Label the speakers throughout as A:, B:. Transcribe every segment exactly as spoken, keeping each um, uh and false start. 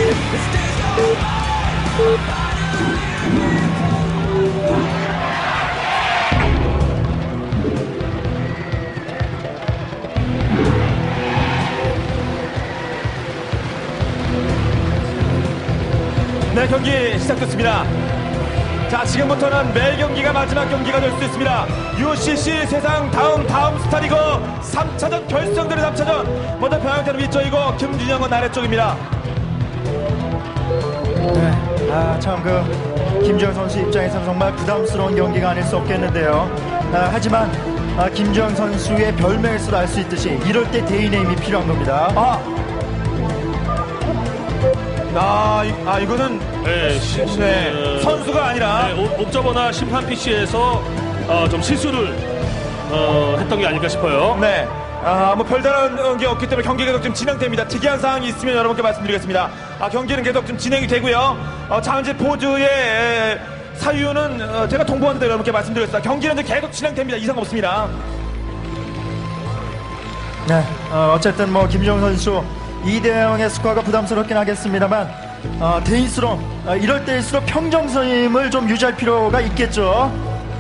A: 네, 경기 시작됐습니다. 자, 지금부터는 매 경기가 마지막 경기가 될 수 있습니다. 유씨씨 세상 다음 다음 스타리그 삼 차전 결승전의 삼 차전. 먼저 병영태는 위쪽이고 김준영은 아래쪽입니다.
B: 네, 아, 참 그 김주영 선수 입장에서는 정말 부담스러운 경기가 아닐 수 없겠는데요. 아, 하지만 아, 김주영 선수의 별명에서도 알 수 있듯이 이럴 때 대인의 힘이 필요한 겁니다.
A: 아, 아, 이, 아 이거는
C: 네, 시,
A: 네,
C: 어,
A: 선수가 아니라
C: 네, 옵- 옵저버나 심판 피씨에서 어, 좀 실수를 어, 했던 게 아닐까 싶어요.
A: 네. 아, 뭐 별다른 게 없기 때문에 경기가 계속 좀 진행됩니다. 특이한 사항이 있으면 여러분께 말씀드리겠습니다. 아, 경기는 계속 좀 진행이 되고요. 어, 장지 포즈의 에, 사유는 어, 제가 통보하는데 여러분께 말씀드렸습니다. 경기는 이제 계속 진행됩니다. 이상 없습니다.
B: 네, 어, 어쨌든 뭐 김주영 선수 이 대 영의 스코어가 부담스럽긴 하겠습니다만 어, 대인수로 어, 이럴 때일수록 평정심을 좀 유지할 필요가 있겠죠.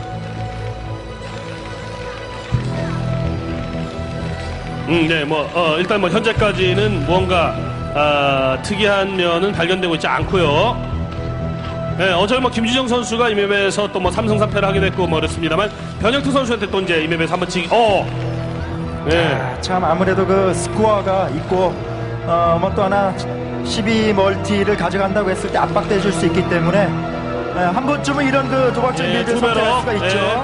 C: 음, 네, 뭐 어, 일단 뭐 현재까지는 무언가 아, 특이한 면은 발견되고 있지 않고요. 네, 어제 뭐 김주정 선수가 이 맵에서 또 뭐 삼승 삼 패를 하게 됐고 뭐 그렇습니다만 변혁투 선수한테 또 이제 이 맵에서 한번 치기. 어, 네,
B: 아, 참 아무래도 그 스코어가 있고 어, 뭐 또 하나 십이 멀티를 가져간다고 했을 때 압박돼 줄 수 있기 때문에 예, 한 번쯤은 이런 그 도박적
C: 네,
B: 빌드를
C: 투베러.
B: 선택할 수가 있죠.
C: 네.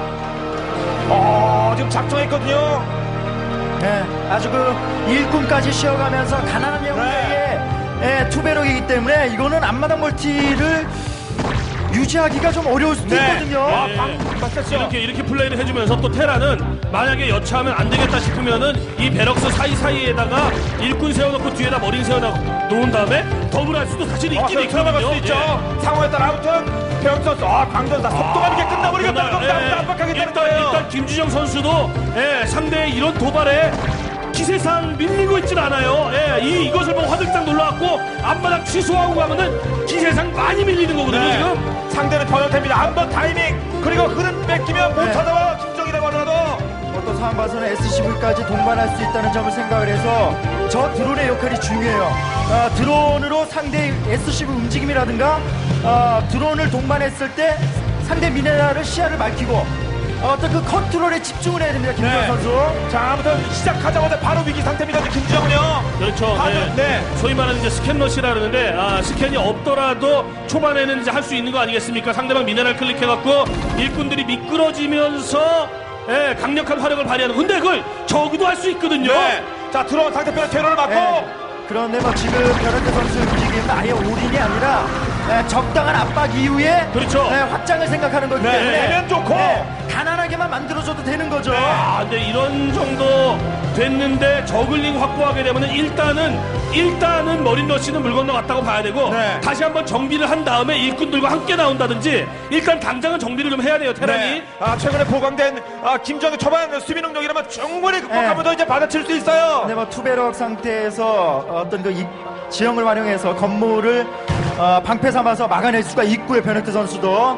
A: 어, 지금 작정했거든요.
B: 네, 아주 그 일꾼까지 쉬어가면서 가난한 영웅의 예, 투베럭이기 때문에 이거는 앞마당 멀티를 유지하기가 좀 어려울 수도
A: 네.
B: 있거든요.
A: 아,
C: 네.
A: 방, 맞았죠.
C: 이렇게 이렇게 플레이를 해주면서 또 테라는 만약에 여차하면 안 되겠다 싶으면은 이 베럭스 사이 사이에다가 일꾼 세워놓고 뒤에다 머린 세워놓은 다음에 더블할 수도 사실
A: 어,
C: 있긴
A: 들어갈 수
C: 있거든요.
A: 있죠.
C: 예.
A: 상황에 따라 아무튼 배영 선수, 아, 강전사 속도감 있게 끝나버리겠다는
C: 그날,
A: 겁니다.
C: 예,
A: 압박하겠다는
C: 일단,
A: 거예요.
C: 일단 김주정 선수도 예, 상대의 이런 도발에 기세상 밀리고 있진 않아요. 예, 이 이것을 보고 화들짝 놀라갖고 앞바닥 취소하고 가면은 기세상 많이 밀리는 거거든요.
A: 네.
C: 지금.
A: 상대는 변형태입니다. 한번 타이밍 그리고 흐름 뺏기면 못
B: 네.
A: 찾아와 김정이라고 하더라도.
B: 어떤 상황 봐서는 에스씨브이까지 동반할 수 있다는 점을 생각을 해서 저 드론의 역할이 중요해요. 아, 드론으로 상대의 에스씨브이 움직임이라든가 아, 드론을 동반했을 때 상대 미네랄을 시야를 밝히고 어떤 그 컨트롤에 집중을 해야 됩니다. 김주영
A: 네.
B: 선수.
A: 자, 아무튼 시작하자마자 바로 위기 상태입니다. 김정은요.
C: 그렇죠.
A: 하면,
C: 네.
A: 네.
C: 소위 말하는 이제 스캔러시라 그러는데 아, 스캔이 없더라도 초반에는 이제 할 수 있는 거 아니겠습니까? 상대방 미네랄 클릭해갖고 일꾼들이 미끄러지면서 예, 강력한 화력을 발휘하는. 근데 그걸 적어도 할 수 있거든요.
A: 네. 자, 들어온 상대편의 테러를 맞고.
B: 네. 그런데 뭐 지금 변현태 선수 움직임은 아예 올인이 아니라 네, 적당한 압박 이후에
C: 그렇죠.
B: 네, 확장을 생각하는 거기
A: 네,
B: 때문에
A: 내면 좋고.
B: 네, 가난하게만 만들어줘도 되는 거죠.
C: 아, 근데 이런 정도 됐는데 저글링 확보하게 되면은 일단은 일단은 머린러시는 물 건너갔다고 봐야 되고
A: 네.
C: 다시 한번 정비를 한 다음에 일꾼들과 함께 나온다든지 일단 당장은 정비를 좀 해야 돼요. 테란이.
A: 네. 아, 최근에 보강된 아, 김정은 초반 수비 능력이라면 충분히 극복하면서 이제 받아칠 수 있어요.
B: 근데 뭐 투베럭 상태에서 어떤 그 이- 지형을 활용해서 건물을 어, 방패 삼아서 막아낼 수가 있고요. 변혁태 선수도.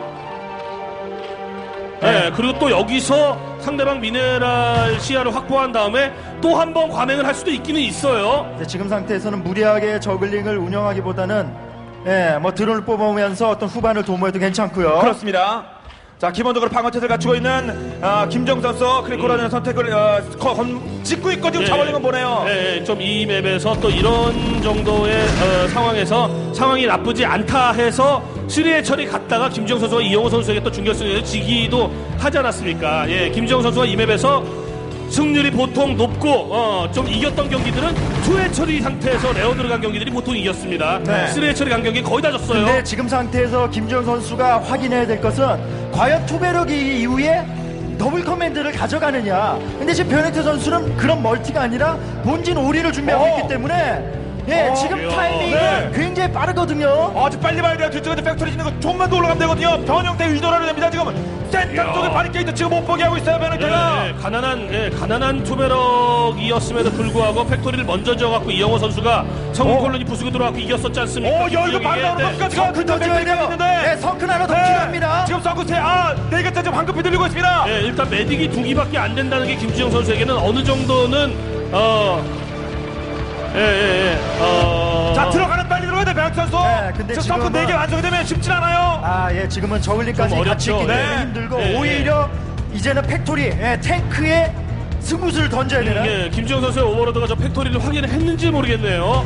C: 네, 그리고 또 여기서 상대방 미네랄 시야를 확보한 다음에 또 한 번 과맹을 할 수도 있기는 있어요.
B: 네, 지금 상태에서는 무리하게 저글링을 운영하기보다는 예, 뭐 드론을 뽑아오면서 어떤 후반을 도모해도 괜찮고요.
A: 그렇습니다. 자, 기본적으로 방어체를 갖추고 있는 아, 김정 선수 크리코라는 선택을 어, 거- 건, 짓고 있고 지금 자원링은 보내요.
C: 네, 좀 이 맵에서 또 이런 정도의 어, 상황에서 상황이 나쁘지 않다 해서 쓰리의 처리 갔다가 김지영 선수가 이영호 선수에게 또 준결승에서 지기도 하지 않았습니까? 예, 김지영 선수가 이 맵에서 승률이 보통 높고 어, 좀 이겼던 경기들은 투회 처리 상태에서 레어 들어간 경기들이 보통 이겼습니다.
A: 네.
C: 쓰리의 처리 간 경기 거의 다 졌어요.
B: 근데 지금 상태에서 김주영 선수가 확인해야 될 것은 과연 투베럭이 이후에 더블 커맨드를 가져가느냐. 근데 지금 변혁태 선수는 그런 멀티가 아니라 본진 오리를 준비하고
A: 어.
B: 있기 때문에 예,
A: 어,
B: 지금
C: 이야.
B: 타이밍이
A: 네.
B: 굉장히 빠르거든요.
A: 아주 빨리 봐야 돼요. 뒤쪽에 팩토리 짓는 거 좀만 더 올라가면 되거든요. 변형태 의도를 됩니다. 지금 센터
C: 이야.
A: 쪽에 바리케이드 지금 못 보게 하고 있어요. 변형태가.
C: 예, 예, 가난한 예, 가난한 투베럭이었음에도 불구하고 팩토리를 먼저 지어갖고 이영호 선수가 성공
A: 어.
C: 콜론이 부수고 들어왔고 이겼었지 않습니까?
A: 오, 야, 이거
C: 김주영이.
A: 바로 나오는
C: 네.
A: 겁니까? 지금
B: 성큰 더 지어야 돼요.
A: 있는데.
B: 네, 성큰 하나 더 필요합니다.
A: 지금 서쿠스에 아, 네 개째 지금 황급히 들리고 있습니다.
C: 예, 일단 메딕이 두 기밖에 안 된다는 게 김주영 선수에게는 어느 정도는 어, 예, 예, 예, 어,
A: 자, 들어가는 빨리 들어가야 돼, 배학 선수.
B: 네, 근데
A: 지금 서쿠
B: 지금은-
A: 네 개 완성이 되면 쉽진 않아요.
B: 아, 예, 지금은 저글링까지
C: 좀
B: 같이
C: 어렵죠.
B: 있기 때문에
A: 네.
B: 힘들고
C: 예, 예.
B: 오히려 이제는 팩토리, 예, 탱크에 승부수를 던져야 되는.
C: 예, 김주영 선수의 오버로드가 저 팩토리를 확인을 했는지 모르겠네요.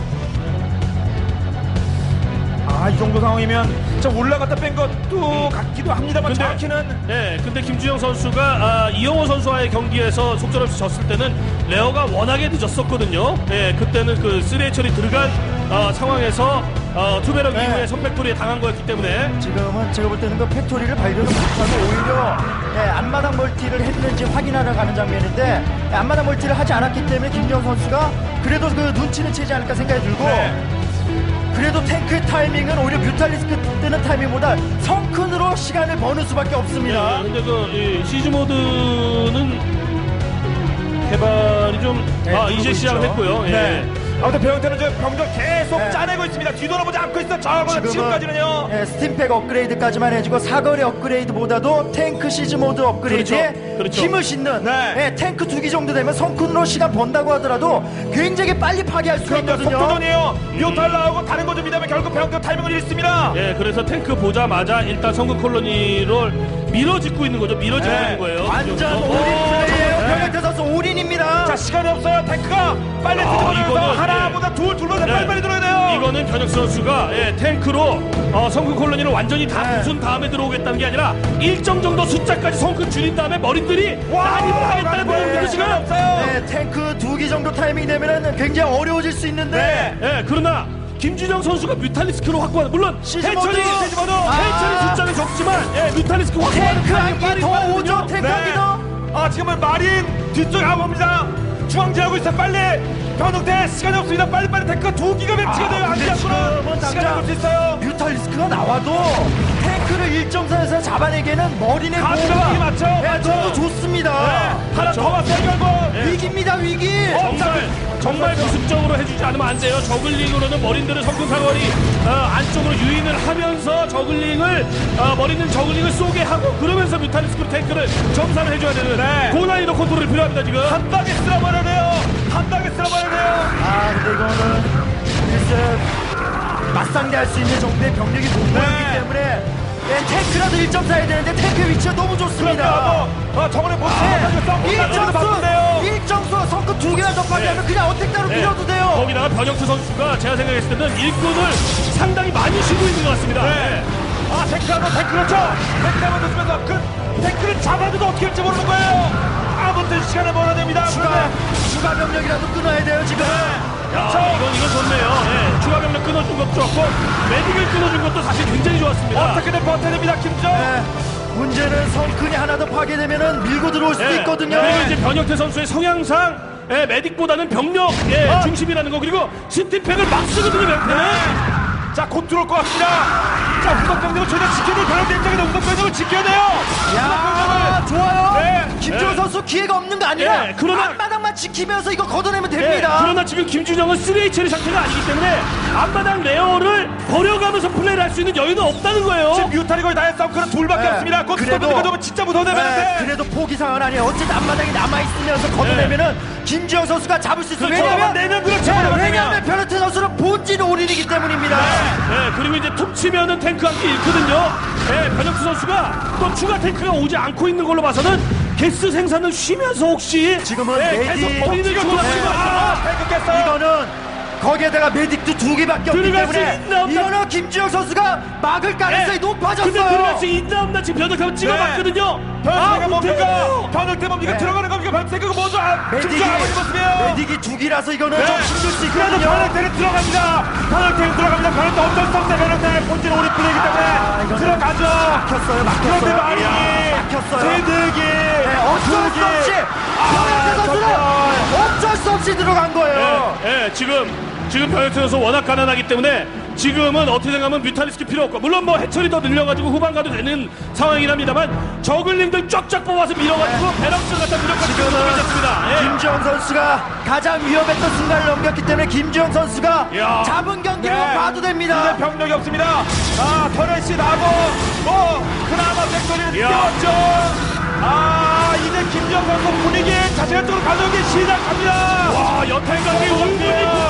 A: 아, 이 정도 상황이면 좀 올라갔다 뺀 것도 같기도 합니다만
C: 근데-
A: 정확히는
C: 네, 근데 김주영 선수가 아, 이영호 선수와의 경기에서 속절없이 졌을 때는 레어가 워낙에 늦었었거든요. 네, 그때는 그 쓰레 처리 들어간 어, 상황에서 어, 투베럭
B: 네.
C: 이후에 선팩토리에 당한 거였기 때문에
B: 지금은 제가 볼 때는 그 팩토리를 발견을 못하고 오히려 예, 앞마당 멀티를 했는지 확인하러 가는 장면인데 예, 앞마당 멀티를 하지 않았기 때문에 김정 선수가 그래도 그 눈치는 채지 않을까 생각이 들고
A: 네.
B: 그래도 탱크의 타이밍은 오히려 뮤탈리스크 뜨는 타이밍보다 성큰으로 시간을 버는 수밖에 없습니다.
C: 네, 근데 그 이, 시즈 모드는 개발이 좀
B: 네,
C: 아,
B: 누르고
C: 이제
B: 있죠.
C: 시작했고요. 예.
A: 네. 아무튼 배영태는 저 병력 계속
B: 네.
A: 짜내고 있습니다. 뒤돌아보지 않고 있어. 저거는 지금까지는요.
B: 예, 스팀팩 업그레이드까지만 해주고 사거리 업그레이드보다도 탱크 시즈 모드 업그레이드에
C: 그렇죠. 그렇죠.
B: 힘을 싣는
A: 네.
B: 예, 탱크 두 기 정도 되면 성큰으로 시간 번다고 하더라도 굉장히 빨리 파괴할 수가
A: 그런데
B: 있거든요.
A: 속도전이에요. 뮤탈 나오고 다른 거 준비되면 결국 배영태 타이밍을 잃습니다.
C: 예, 그래서 탱크 보자마자 일단 성급 콜로니를 밀어짓고 있는 거죠. 밀어짓고
A: 네.
C: 있는 거예요.
B: 완전
C: 김주영 선수.
B: 올인 플레이예요.
A: 네.
B: 변혁태 선수 올인입니다.
A: 자, 시간이 없어요. 탱크가 빨리
C: 아,
A: 뒤집어내서
C: 이거는,
A: 하나보다 둘, 둘보다
C: 네.
A: 빨리 빨리 들어야 돼요.
C: 이거는 변혁수 선수가 예, 탱크로 어, 성큰 콜로니를 완전히 다
B: 네.
C: 부순 다음에 들어오겠다는 게 아니라 일정 정도 숫자까지 성큰 줄인 다음에 머리들이 난입을 하겠다는 거거든요 지금.
A: 시간이 없어요.
B: 네, 탱크 두 기 정도 타이밍 되면은 굉장히 어려워질 수 있는데
A: 네.
C: 예, 그러나 김준영 선수가 뮤탈리스크로 확보하는 물론
B: 시즈
C: 해처리
B: 모드!
C: 시즈 모드
B: 아.
C: 해처리 숫자는 적지만 예, 뮤탈리스크 확보하는
B: 탱크
C: 타이밍이
B: 한 기
C: 빠르-
B: 더
C: 빠르거든요.
B: 오죠. 탱크 한 기 더.
A: 아, 지금은 마린 뒤쪽에 가봅니다. 중앙지하고 있어. 빨리 변형태 시간이 없습니다. 빨리 빨리 탱크가 두 기가 배치가 돼요. 안
B: 근데 지금은
A: 잡고는
B: 당장
A: 시간이 없을 수 있어요.
B: 뮤탈리스크가 나와도 탱크를 일정선에서 잡아내기에는 머리내
A: 가스가
B: 보호가
A: 위기 맞죠?
B: 네,
A: 맞죠?
B: 너무 좋습니다.
A: 하나
C: 그렇죠.
A: 더 왔어요. 결국.
C: 네.
B: 위기입니다 위기.
C: 정말 정말 기습적으로 해주지 않으면 안 돼요. 저글링으로는 머린들을 성큰 사거리 어, 안쪽으로 유인을 하면서 저글링을 어, 머리는 저글링을 쏘게 하고 그러면서 뮤탈리스크 탱크를 점사를 해줘야 되는
A: 네.
C: 고난이도 컨트롤이 필요합니다 지금.
A: 한 방에 쓸어버려야 돼요. 한 방에 쓸어버려야 돼요.
B: 아 근데 이거는 글쎄 맞상대할 수 있는 정도의 병력이 못 모였기
A: 네.
B: 때문에 네, 탱크라도 일 점 사 해야 되는데 탱크 위치가 너무 좋습니다.
A: 그러니까 어, 저번에 못
B: 네.
A: 쏘고
B: 일정수
A: 바쁜데요.
B: 일정수 성급 두 개나 더 파괴하면 그냥 어택 따로
C: 네.
B: 밀어도 돼요.
C: 거기다가 변혁수 선수가 제가 생각했을 때는 일꾼을 상당히 많이 쉬고 있는 것 같습니다.
A: 네. 아, 탱크 한번 탱크 그렇죠. 탱크 한번 넣으면서 그 탱크를 잡아줘도 어떻게 할지 모르는 거예요. 아무튼 시간을 벌어야 됩니다.
B: 추가 추가 병력이라도 끊어야 돼요 지금.
C: 야, 이건 이건 좋네요. 네, 추가 병력 끊어준 것도 좋았고 메딕을 끊어준 것도 사실 굉장히 좋았습니다.
A: 어떻게든 버텨야 됩니다. 김정.
B: 네. 문제는 성큰이 하나 더 파괴되면은 밀고 들어올 수도
C: 네.
B: 있거든요.
C: 그리고 이제 변혁태 선수의 성향상 예, 메딕보다는 병력 예,
A: 어.
C: 중심이라는 거 그리고 스팀팩을 막 쓰거든요 변혁태는.
A: 자, 곧 들어올 것 같습니다. 자, 우선병력을 전혀 지켜야 돼요. 변형대 입장에서 우선병력을 지켜야 돼요.
B: 야 좋아요.
A: 네.
B: 김주호
C: 네.
B: 선수 기회가 없는 거 아니라
C: 네, 그러나-
B: 앞마당만 지키면서 이거 걷어내면
C: 예,
B: 됩니다.
C: 그러나 지금 김준영은 쓰리 에이치엘 상태가 아니기 때문에 앞마당 레어를 버려가면서 플레이를 할 수 있는 여유는 없다는 거예요.
A: 지금 뮤탈이 거의 다 했어. 그런 둘밖에
B: 네.
A: 없습니다. 곧
B: 그래도-
A: 스톱 되면 진짜 무서워야
B: 네,
A: 되는데.
B: 그래도 포기 상황은 아니에요. 어쨌든 앞마당이 남아있으면서 걷어내면은 김주영 선수가 잡을 수 있어요.
C: 그렇죠.
B: 왜냐면,
A: 내면 그렇죠.
B: 네,
A: 내면.
B: 왜냐하면 변호태 선수는 본진 올인이기 때문입니다.
C: 네, 그리고 이제 툭 치면은 탱크 한 개 잃거든요. 네, 변혁수 선수가 또 추가 탱크가 오지 않고 있는 걸로 봐서는 게스 생산을 쉬면서 혹시
B: 지금은
C: 네,
B: 메딕
C: 계속 머리를
B: 네.
C: 주고받지만
A: 아, 탱크 깼어요.
B: 이거는 거기에다가 메딕도 두 개밖에 없기
C: 들어갈 수
B: 때문에
C: 있나 없나?
B: 이거는 김주영 선수가 막을 가능성이
C: 네.
B: 높아졌어요.
C: 근데 들어갈 수 있나 없나 지금 변혁하면 찍어봤거든요.
A: 변형태가 뭡니까?
C: 못해요.
A: 변형태 뭡니까?
B: 네.
A: 들어가는 겁니까? 변형태가 먼저 아,
B: 메딕이
A: 김정 아버지 모습이에요.
B: 메딕이 두 기라서 이거는
A: 네.
B: 좀 힘들 수
A: 그래도
B: 있거든요.
A: 변형태는 들어갑니다. 변형태는 들어갑니다. 변형태 어쩔 수 없어요. 변형태 본진 오리 플레이기 때문에
B: 아, 이거는
A: 들어가죠.
B: 막혔어요, 막혔어요.
A: 그런데 말이
B: 막혔어요.
A: 세득이
B: 네, 어쩔 수 없이 변혁태 선수는
A: 정말.
B: 어쩔 수 없이 들어간 거예요.
C: 네, 네, 지금 지금 변혁태 선수 워낙 가난하기 때문에 지금은 어떻게 생각하면 뮤탈리스크 필요 없고 물론 뭐 해처리 더 늘려가지고 후반 가도 되는 상황이랍니다만 저글링들 쫙쫙 뽑아서 밀어가지고 베럭스 갖다 무력까지 지금은 괜찮습니다. 예.
B: 김주영 선수가 가장 위협했던 순간을 넘겼기 때문에 김주영 선수가
C: 야.
B: 잡은 경기로 봐도 됩니다.
A: 이제 병력이 없습니다. 아, 터렛이 나고, 뭐, 그나마 백돌이를
C: 야.
A: 띄웠죠. 아, 이제 김정 선수 분위기 자신의 쪽으로 가져오기 시작합니다.
C: 와 여태까지 원빈이